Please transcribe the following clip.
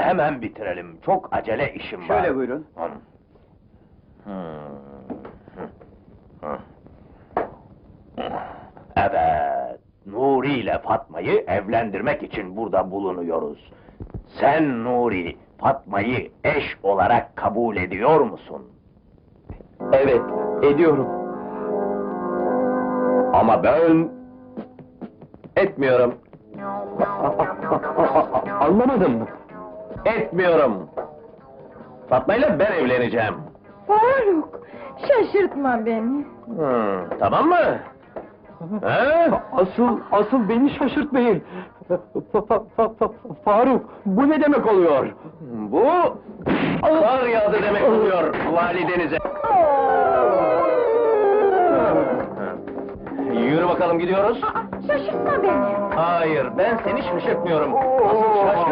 hemen bitirelim. Çok acele işim var. Şöyle buyurun. Evet, Nuri ile Fatma'yı evlendirmek için burada bulunuyoruz. Sen Nuri, Fatma'yı eş olarak kabul ediyor musun? Evet, ediyorum. Ama ben... etmiyorum. Anlamadım. Etmiyorum. Fatma'yla ben evleneceğim. Faruk, şaşırtma beni. Tamam mı? He? Asıl beni şaşırtmayın. Faruk, bu ne demek oluyor? Bu... kar yağdı demek oluyor validenize. Yürü bakalım, gidiyoruz. Şaşırtma beni. Hayır, ben seni şaşırtmıyorum. Asıl